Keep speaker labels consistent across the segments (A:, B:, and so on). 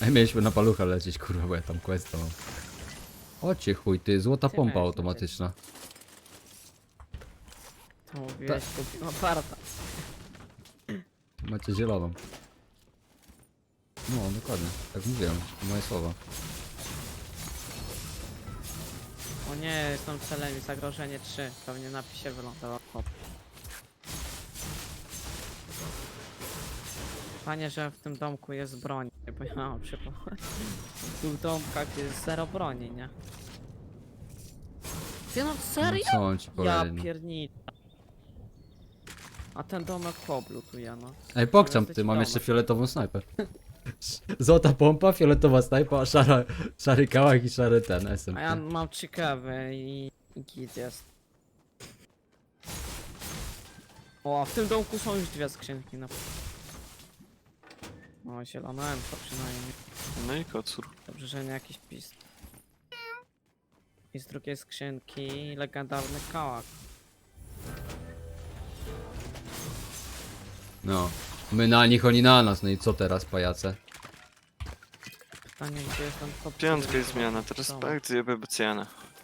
A: Mieliśmy na palucha lecieć, kurwa, bo ja tam questa mam. Ocie chuj, ty, złota
B: Ty
A: pompa
B: miałeś
A: automatyczna.
B: To mówiłeś, kupił aparta.
A: Macie zieloną. No, dokładnie, tak mówiłem, to moje słowa.
B: O nie, są celem i zagrożenie 3. Pewnie napisie wylądował. Hop. Panie, że w tym domku jest broń. Bo ja mam przypomnieć. W tych domkach jest 0 broni, nie? Ty no
A: No
B: serio?
A: co mam ci
B: Ja
A: powiedzieć, no.
B: pierniczę. A ten domek poblutuje, no.
A: Ej, pokczam
B: Jesteś
A: ty, mam
B: domek.
A: jeszcze fioletową snajper. Złota pompa, fioletowa snajpa, szary kałach i szary ten SMP.
B: A ja mam ciekawe i git jest. O, a w tym domku są już 2 skrzynki, no. O, zielona to przynajmniej.
C: No i kocur.
B: Dobrze, że nie jakiś pis. I z drugiej skrzynki legendarny kałak.
A: No. My na nich, oni na nas, no i co teraz, pajace?
B: Pytanie, gdzie jest ten top?
C: Piątka jest zmiana, teraz pak zjebę Bocjana.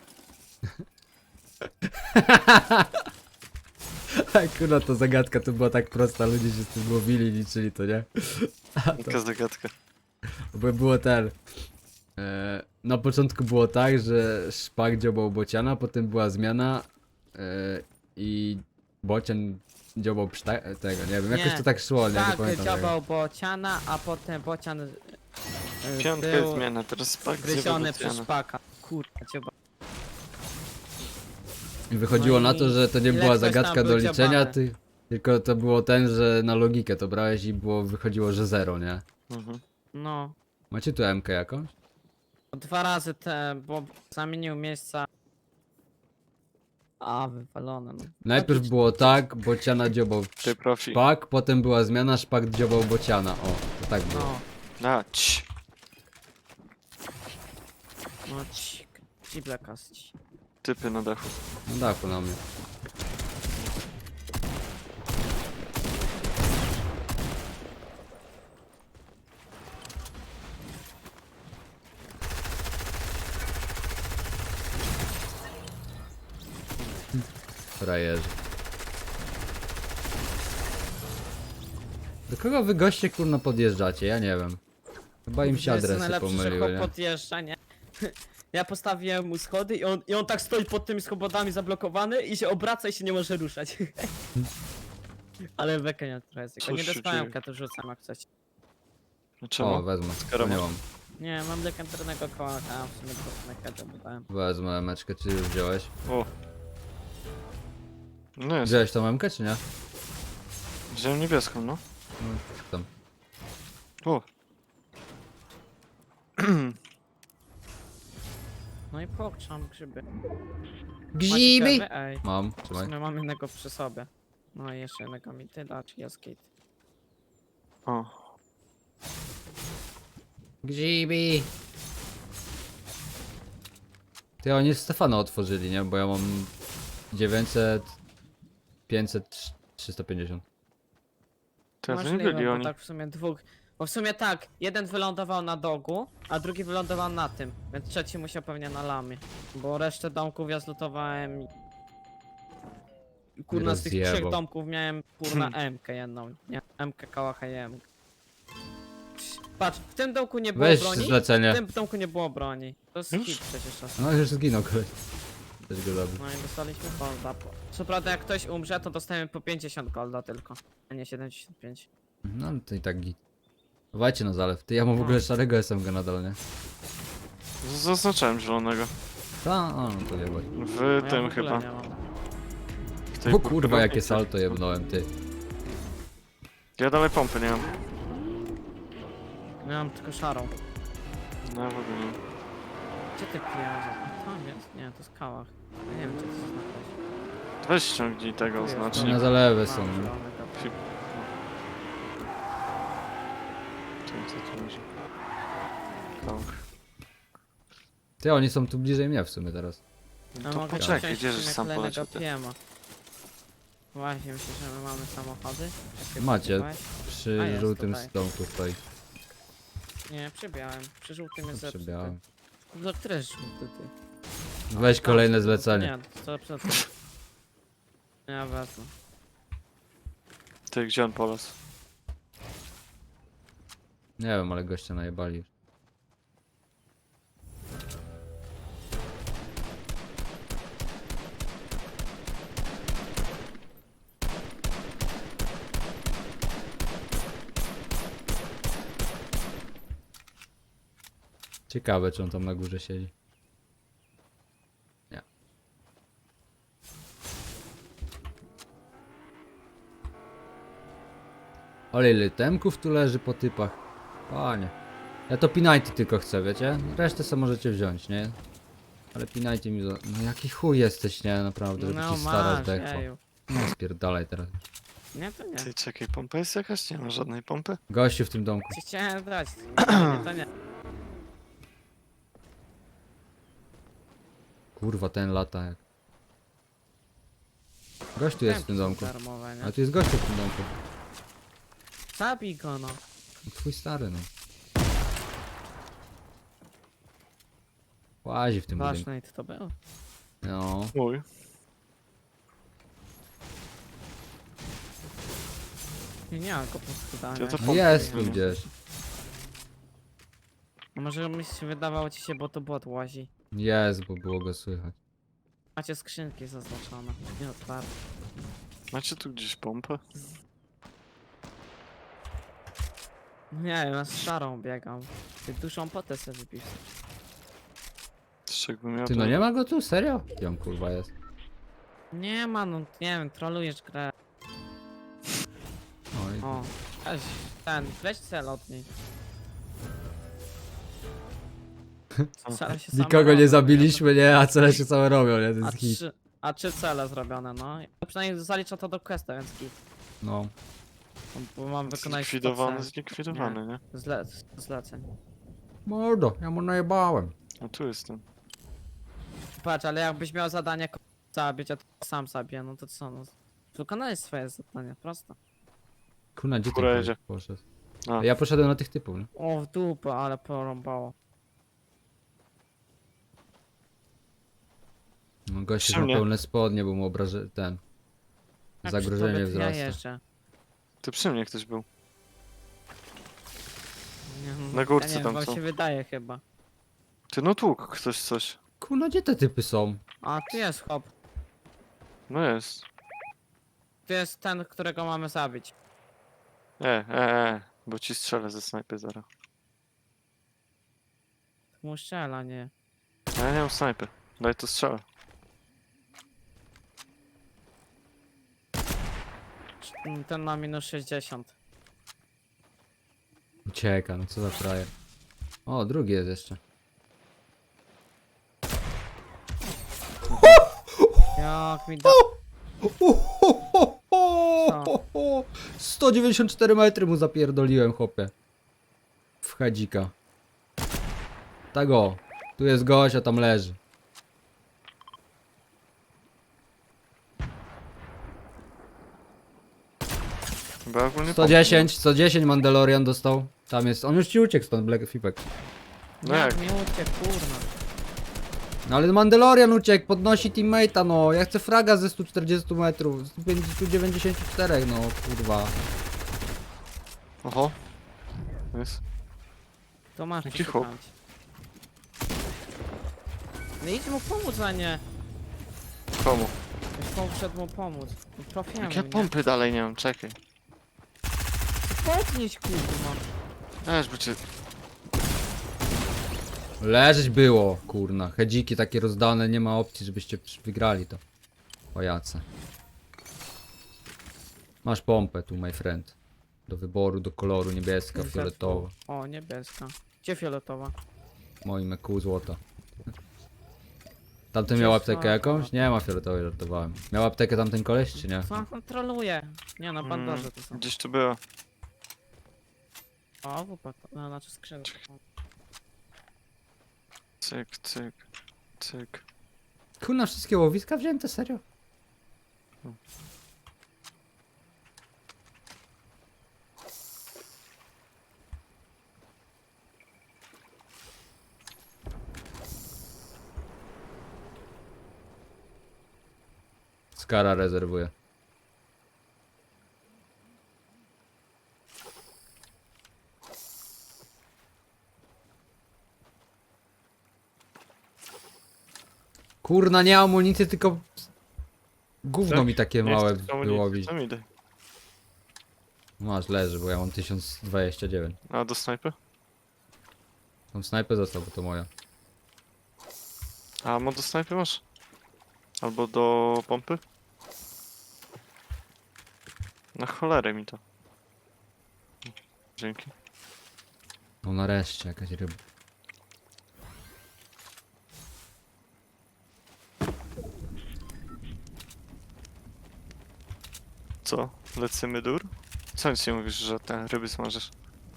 A: Kurwa, to zagadka to była tak prosta, ludzie się z tym łowili, liczyli to, nie?
C: Jaka zagadka.
A: Bo było ten... na początku było tak, że szpak dziobał bociana, potem była zmiana i bocian dziobał tego, nie wiem, jakoś
B: Nie,
A: to tak szło, nie, nie
B: Tak,
A: pamiętam tego.
B: dziobał bociana, a potem bocian
C: Piątka jest
B: był
C: zmiana, teraz pak zjebę
B: gryziony przez
C: Bocjana.
B: szpaka. Kurwa, dziobał.
A: I wychodziło
B: No
A: na to,
B: i
A: że to nie
B: ile
A: była
B: ktoś tam
A: zagadka
B: był
A: do liczenia,
B: dziobany?
A: tylko to było ten, że na logikę to brałeś i wychodziło, że 0, nie?
C: Mhm.
B: No.
A: Macie tu MK jakąś?
B: 2 razy bo zamienił miejsca. A, wywalone, no.
A: Najpierw
B: Taki-
A: było tak, bociana dziobał
C: Ty profi.
A: szpak, potem była zmiana, szpak dziobał bociana, o, to tak było.
B: No,
C: A, cii.
B: no cik. Cible kaści.
C: Typy na dachu.
A: Na dachu na mnie. Frajerzy. Do kogo wy goście kurno podjeżdżacie? Ja nie wiem. Chyba im się
B: To jest
A: adresy
B: najlepsze, że
A: pomyliły,
B: chłop
A: nie?
B: podjeżdża, nie? Ja postawiłem mu schody i on tak stoi pod tymi schodami zablokowany i się obraca i się nie może ruszać. Ale beka nie trochę jest.
C: Co
B: Tylko nie
C: się
B: dostałem
C: dzieje?
B: to rzucam jak chcecie.
C: No
A: O,
C: czemu?
A: wezmę.
C: Skoro
A: Nie
C: masz-
A: mam.
B: Nie, mam legendarnego kołaka, a w sumie to mekę dodałem.
A: Wezmę meczkę, czy już wziąłeś?
C: O. No jest.
A: Wziąłeś tą MK, czy nie?
C: Wziąłem niebieską, no.
A: No, tam.
C: O.
B: No i pokrzam grzyby.
A: Grzyby!
B: Macie kawy? Ej,
A: Mam,
B: w
A: trzymaj.
B: sumie mam jednego przy sobie. No i jeszcze jednego mi tyda, czy jest git.
C: O.
A: Grzyby! Ty, oni Stefana otworzyli, nie? Bo ja mam 900, 500, 350.
C: Teraz nie
B: Możliwe,
C: byli
B: bo
C: oni.
B: tak w sumie dwóch. Bo w sumie tak, jeden wylądował na dogu, a drugi wylądował na tym, więc trzeci musiał pewnie na lamie. Bo resztę domków ja zlutowałem i kurna z tych
A: Rozjebał.
B: 3 domków miałem kurna MK jedną, nie? MK kałacha i MK. Patrz, w tym domku nie było
A: Weź
B: broni,
A: zlecenie.
B: w tym domku nie było broni. To jest
C: Już?
B: hit przecież czasem.
A: No już zginął koleś. Też go zabił.
B: No i dostaliśmy golda. Co prawda jak ktoś umrze, to dostajemy po 50 golda tylko, a nie 75.
A: No to i tak git. Dawajcie na zalew. Ty, ja mam w ogóle szarego SMG nadal, nie?
C: Zaznaczałem zielonego.
A: Ta, no to jebać.
C: W
B: No ja
C: tym
B: w ogóle
C: chyba.
B: nie mam.
C: W tej
A: O kurwa, jakie
C: budownicy.
A: salto jebnąłem, ty.
C: Ja dalej pompy nie mam.
B: Miałem tylko szarą.
C: No w ogóle nie.
B: Gdzie ty pieniądze? Tam jest? Nie, to jest kałach. Ja nie wiem, gdzie to zaznaczyć.
C: Weź ściągnij tego
B: Tu jest,
C: oznacznik.
A: Na zalewy są.
B: Mam
A: nie?
B: zielonego.
C: Co tu będzie? Kałach.
A: Ty, oni są tu bliżej mnie w sumie teraz.
B: No
C: To
B: mogę
C: poczekaj,
B: wziąć
C: gdzie
B: w
C: żeś
B: sumie
C: sam
B: kolejnego
C: poleciał ty?
B: PM-a. Właśnie, myślę, że my mamy samochody. Jakie
A: Macie.
B: kupowałeś? A,
A: Przy
B: jest
A: żółtym
B: tutaj.
A: domku stoi.
B: Nie, przebiałem. Przy żółtym jest zepsuty.
A: Przebiałem.
B: No który jest żółty, ty?
A: Weź kolejne
B: A,
A: zlecenie.
B: Nie, to przed tym. Ja wezmę.
C: Ty, gdzie on polas?
A: Nie wiem, ale gościa najebali już. Ciekawe, czy on tam na górze siedzi. Nie. Ale ile temków tu leży po typach. Panie. Ja to P90 tylko chcę, wiecie? Resztę sobie możecie wziąć, nie? Ale P90 mi za... No jaki chuj jesteś, nie? Naprawdę, żeby
B: No
A: ci stara
B: masz,
A: zdechła.
B: jeju.
A: No spierdalaj teraz.
B: Nie, to nie.
C: Ty, czekaj, pompa jest jakaś? Nie ma żadnej pompy?
A: Gościu w tym domku.
B: Ci chciałem dać. Nie, to nie.
A: Kurwa, ten lata jak... Gościu jest w tym
B: Temki są
A: domku.
B: darmowe,
A: Ale
B: nie?
A: tu jest gościu w tym domku.
B: Zabij go, no.
A: No, twój stary, no. Łazi w tym budynku.
B: Ważne, to był.
A: No.
C: Mój.
B: Nie ma go po prostu dania.
C: Ja to
A: No
C: pompy
A: jest tu
C: nie.
A: gdzieś.
B: No może mi się wydawało ci się, bo to bot łazi.
A: Jest, bo było go słychać.
B: Macie skrzynki zaznaczone. Nie otwarte.
C: Macie tu gdzieś pompę?
B: Nie, ja z szarą biegam. Ty dużą potę sobie wypisz.
C: Z czego miał
A: Ty, no nie ma go tu? Serio? Gdzie on kurwa jest?
B: Nie ma, no nie wiem, trolujesz grę.
A: Oj.
B: O, weź weź cel od niej. Cele się same
A: Nikogo
B: robią,
A: nie zabiliśmy, nie? A cele się same robią, nie? To
B: A
A: jest hit.
B: trzy cele zrobione, no. Ja przynajmniej zalicza to do questa, więc git.
A: No.
B: Bo mam wykonać 100
C: Zlikwidowany,
B: cel.
C: zlikwidowany, nie?
B: Zleceń.
A: Mordo, ja mu najebałem.
C: A tu jestem.
B: Patrz, ale jakbyś miał zadanie zabić, a to sam zabiję, no to co, no. Wykonałeś swoje zadanie, prosto.
A: Kuna, gdzie
C: Góra
A: ty
C: jedzie.
A: poszedł?
C: A.
A: Ja poszedłem na tych typów, nie?
B: O, w dupę, ale porąbało.
A: No gościu
C: Przy
A: ma
C: mnie.
A: pełne spodnie, bo mu obraże... ten...
B: Jak
A: Zagrożenie
B: przy tobie, to Ja
A: wzrasta.
B: jeżdżę.
C: Ty przy mnie ktoś był.
B: Nie, no,
C: Na górce
B: ja nie wiem,
C: tam
B: wam
C: są.
B: się wydaje chyba.
C: Ty, no tłuk ktoś coś.
A: Kuna, gdzie te typy są?
B: A, tu jest chłop.
C: No jest.
B: Tu jest ten, którego mamy zabić.
C: Bo ci strzelę ze snajpy zaraz.
B: Mu strzela, nie.
C: A ja nie mam snajpy. Daj to strzelę.
B: Ten ma minus 60.
A: Ucieka, no co za frajer. O, drugi jest jeszcze.
B: Jak mi da...
A: 194 metry mu zapierdoliłem, chłopie. W hadzika. Tak o. Tu jest gość, a tam leży.
C: Bo ja ogólnie
A: 110 Mandalorian dostał. Tam jest. On już ci uciekł stąd, Black Fipek.
C: No
B: jak
C: jak?
B: mi uciekł, kurna.
A: No ale Mandalorian uciekł, podnosi teammate'a, no. Ja chcę fraga ze 140 metrów. Z 194, no kurwa.
C: Oho. Jest.
B: To masz
C: Jaki
B: przeszukać.
C: chłop?
B: No idź mu pomóc, a nie.
C: Komu?
B: Już poszedł mu pomóc. Trafiamy,
C: Jak ja
B: nie?
C: pompy dalej nie mam, czekaj.
B: Podnieś, kurwa.
C: Aż by cię...
A: Leżeć było, kurna. Hedziki takie rozdane, nie ma opcji, żebyście wygrali to. Pajace. Masz pompę tu, my friend. Do wyboru, do koloru, niebieska, fioletowa.
B: O, niebieska. Gdzie fioletowa?
A: Moim EQ złota. Tamten
B: Gdzie
A: miał
B: jest
A: aptekę
B: fioletowa?
A: jakąś? Nie ma fioletowej, żartowałem. Miał aptekę tamten koleś, czy nie?
B: Co on kontroluje? Nie no, bandaże to są.
C: Gdzieś tu było.
B: O, wupak. No, znaczy skrzydło.
C: Cyk, cyk, cyk.
A: Kurna, wszystkie łowiska wzięte, serio? Skara rezerwuje. Kurna, nie amunicji, tylko gówno
C: Tak?
A: mi takie
C: Nie
A: małe
C: chcę tylko
A: wyłowić.
C: Co mi daj?
A: Masz, leży, bo ja mam 1029.
C: A do snajpy?
A: Tą snajpę został, bo to moja.
C: A do snajpy masz? Albo do pompy? Na cholerę mi to. Dzięki.
A: No nareszcie jakaś ryba.
C: Co? Lecimy dur? Co nic nie mówisz, że te ryby smażysz?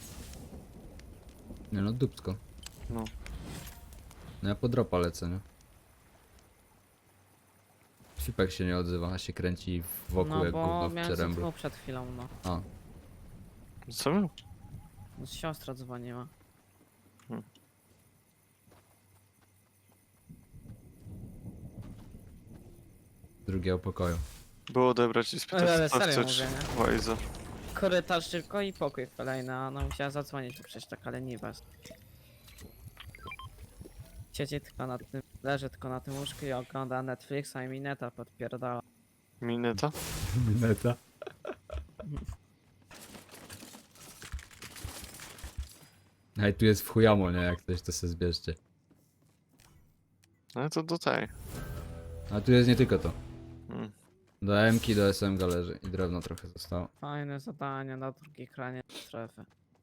A: Nie no, dupsko.
C: No.
A: No ja po dropa lecę, nie? Sipek się nie odzywa, a się kręci wokół
B: No
A: jak
B: bo
A: gówno w
B: miałem
A: przeręblu.
B: zadzwonił przed chwilą, no.
A: A,
C: Co miał?
B: No, siostra dzwoniła.
A: z drugiego pokoju.
C: Było odebrać i spytać,
B: Ale
C: co
B: serio
C: chcesz.
B: mówię, nie?
C: Łajza.
B: Korytarz tylko i pokój kolejny, a ona musiała zadzwonić tu przecież tak, ale nie was. Siedzi tylko na tym, leży tylko na tym łóżku i ogląda Netflixa i mi neta podpierdala.
C: Mineta?
A: Mineta. Ej, tu jest w chujamo, nie? Jak coś to sobie zbierzcie.
C: No to do tej.
A: A tu jest nie tylko to.
C: Mm.
A: Do M-ki, do SMG leży i drewno trochę zostało.
B: Fajne zadanie na drugiej kranie strefy.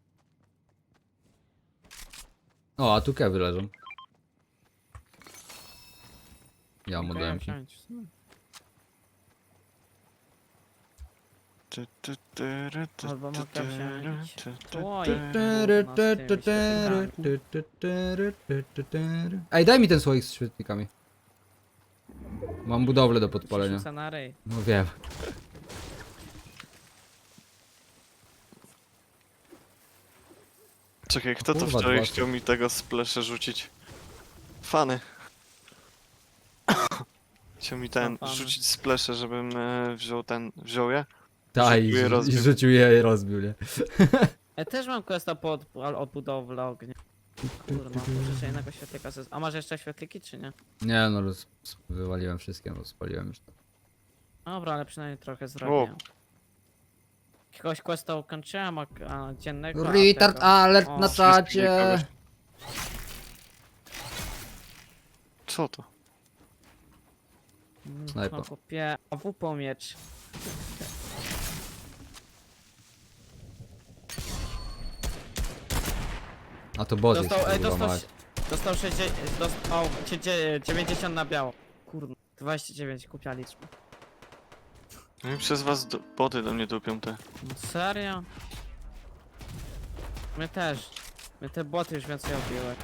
A: O, a tu kewy leżą. Ja mu do
B: Okej,
A: M-ki.
B: wziąć w sumie. Albo mogę wziąć słoik, kurna, z tymi świetlikami.
A: Ej, daj mi ten słoik z świetlikami. Mam budowlę do podpalenia.
B: Rzucę na ryj.
A: No wiem.
C: Czekaj, kto to
A: Kurwa,
C: wczoraj
A: dwa
C: chciał mi tego splesze rzucić? Fany. Chciał mi ten
B: fany?
C: rzucić splesze, żebym wziął je.
A: Tak,
C: Rzucił je,
A: i
C: rozbił.
A: rzucił je i rozbił, nie?
B: Ja też mam questa po odbudowę ognia. Kurna, muszę jeszcze jednego świetlika A masz jeszcze świetliki czy nie?
A: Nie no, wywaliłem wszystkie, bo spaliłem już to.
B: Dobra, ale przynajmniej trochę zrobię. Jakiegoś questa ukończyłem, a dziennego.
A: Retard alert
B: O,
A: na
C: wszystkich
A: czacie!
C: kogoś. Co to?
A: Snajpa.
B: No kupię AWP miecz.
A: A to bot jest,
B: Dostał,
A: kurwa,
B: dostał,
A: mać.
B: dostał 60, dostał 90 na biało. Kurde, 29 kupia liczba.
C: No i przez was boty do mnie dupią te.
B: No serio? My też. My te boty już więcej obiły.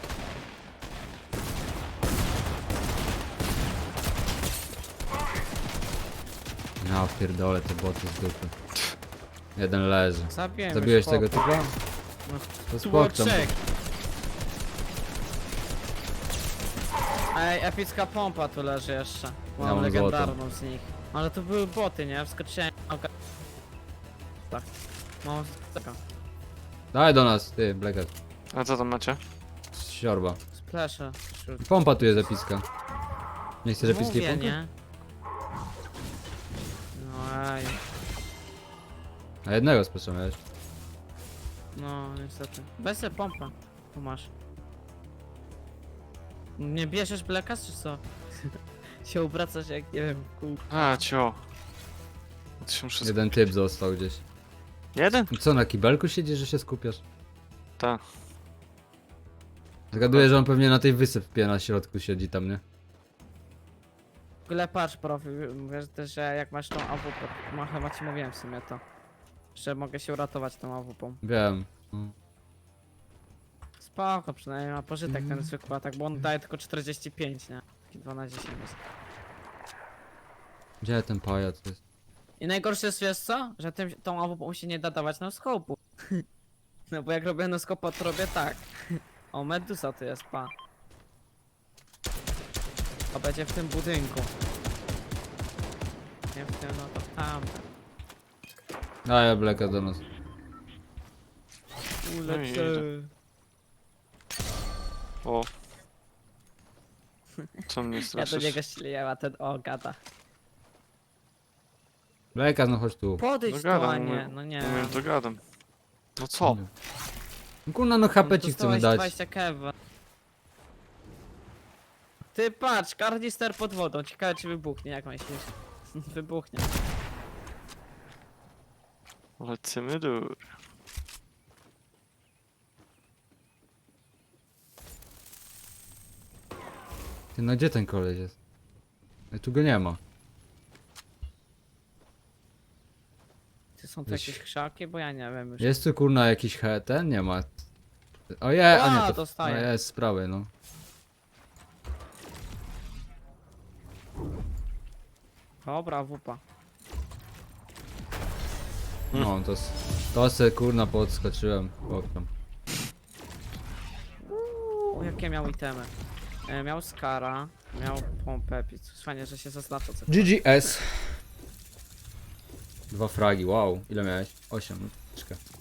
A: Ja pierdolę te boty z dupy. Jeden leży.
B: Zabiłem
A: Zabiłeś
B: już
A: tego
B: chłopa.
A: typa?
B: No,
A: To
B: Tu było
A: spokczam.
B: 3. Ej, epicka pompa tu leży jeszcze.
A: Ja
B: Mam
A: mam
B: legendarną z nich. Ale to były boty, nie? Wskoczyłem. Tak. Mam taka.
A: Daj do nas, ty, Blackhead.
C: A co tam macie?
A: Siorba.
B: Splesze.
A: Pompa tu jest epicka. Nie chcesz epickiej
B: Mówię,
A: pompy?
B: nie? No ej.
A: A jednego speszam, wiesz.
B: No niestety. Weź sobie pompę. Tu masz. Nie bierzesz blekas czy co? się obracasz jak nie wiem, kół.
C: A, cio. To się muszę
A: Jeden typ został gdzieś.
C: Jeden?
A: Co, na kibelku siedzisz, że się skupiasz?
C: Tak.
A: Zgaduję, że on pewnie na tej wysypie na środku siedzi tam, nie?
B: W ogóle patrz profil, wiesz też, że jak masz tą AWP, chyba ci mówiłem w sumie to. Że mogę się uratować tą AWP.
A: Wiem.
B: Spoko, przynajmniej ma pożytek ten zwykły atak, bo on daje tylko 45, nie? Taki 2 na 10 jest.
A: Gdzie ten pajac jest?
B: I najgorsze jest, wiesz co? Że tą AWP się nie da dawać na skopu. No bo jak robię na skopa, to robię tak. O, Medusa tu jest, pa. A będzie w tym budynku. Nie w tym, no to w tamtym.
A: Daję Blacka do nas.
B: Ulecę.
C: O. Co mnie
B: Ja do
C: straszysz?
B: niego ślieję, a ten o gada.
A: Blacka, no chodź tu.
B: Podejdź
C: No
B: tu, a
C: gadam,
B: nie, no nie.
C: umiem to gadam. No co?
A: No kurna, no HP ci chcemy
B: Dostałeś
A: dać.
B: 20 kewa. Ty patrz, karnister pod wodą. Ciekawe czy wybuchnie, jak myślisz? Wybuchnie.
C: Lecimy dur.
A: Ty, no gdzie ten koleś jest? Tu go nie ma.
B: Czy są tu
A: Weź.
B: jakieś krzaki? Bo ja nie wiem już.
A: Jest tu kurna jakiś ten? Nie ma. Ojej, a
B: A,
A: nie, to
B: dostaję.
A: no jest z prawej, no.
B: Dobra, wupa.
A: No, to se kurna podskoczyłem. Chłopcom.
B: O, jakie miał itemy? Miał skara, miał pompę, fajnie, że się zaznacza co.
A: GGS. 2 fragi, wow. Ile miałeś? 8. Czekaj.